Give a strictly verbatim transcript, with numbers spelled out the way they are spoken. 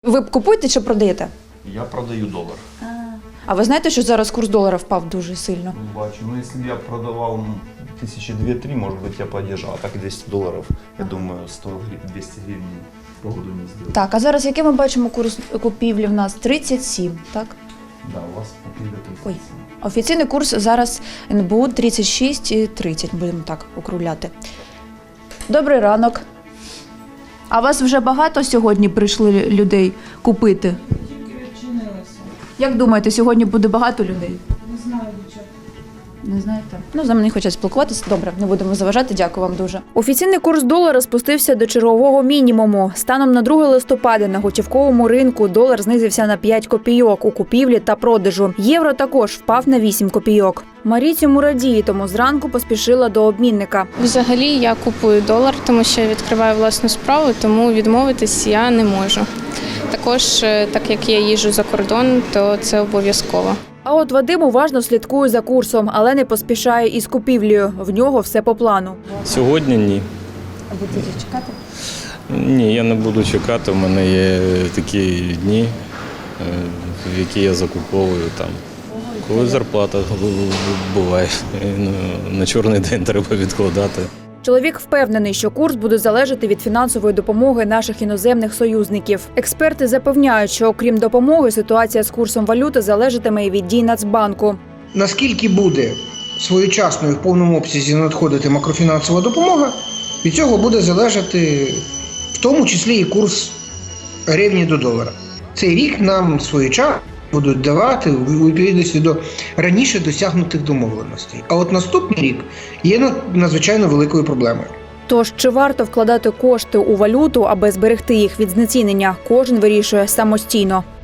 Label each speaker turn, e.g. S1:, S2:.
S1: Ви купуєте чи продаєте?
S2: Я продаю долар.
S1: А ви знаєте, що зараз курс долара впав дуже сильно?
S2: Бачу. Ну, якщо б я продавав тисячі дві-три, може бути, я подержав. А так двісті доларів, я думаю, сто двісті гривень погоду не зробив.
S1: Так, а зараз який ми бачимо курс купівлі в нас? тридцять сім, так?
S2: Да, у вас купівля
S1: Ой.
S2: тридцять сім.
S1: Офіційний курс зараз ен бе у тридцять шість і тридцять, будемо так округляти. Добрий ранок. А вас вже багато сьогодні прийшли людей купити?
S3: Тільки відчинилася.
S1: Як думаєте, сьогодні буде багато людей?
S3: Не знаю, дівчата.
S1: Не знаєте? Ну, за мене хочуть спілкуватися. Добре, не будемо заважати. Дякую вам дуже. Офіційний курс долара спустився до чергового мінімуму. Станом на друге листопада на готівковому ринку долар знизився на п'ять копійок у купівлі та продажу. Євро також впав на вісім копійок. Марі цьому радіє, тому зранку поспішила до обмінника.
S4: Взагалі я купую долар, тому що я відкриваю власну справу, тому відмовитись я не можу. Також, так як я їжджу за кордон, то це обов'язково.
S1: А от Вадим уважно слідкує за курсом, але не поспішає із купівлею. В нього все по плану.
S5: Сьогодні ні.
S1: А будете чекати?
S5: Ні, я не буду чекати. У мене є такі дні, в які я закуповую там. Коли зарплата буває, на чорний день треба відкладати.
S1: Чоловік впевнений, що курс буде залежати від фінансової допомоги наших іноземних союзників. Експерти запевняють, що окрім допомоги, ситуація з курсом валюти залежатиме і від дій Нацбанку.
S6: Наскільки буде своєчасно і в повному обсязі надходити макрофінансова допомога, від цього буде залежати в тому числі і курс гривні до долара. Цей рік нам своєчасно будуть давати у відповідності до раніше досягнутих домовленостей. А от наступний рік є надзвичайно великою проблемою.
S1: Тож, чи варто вкладати кошти у валюту, аби зберегти їх від знецінення, кожен вирішує самостійно.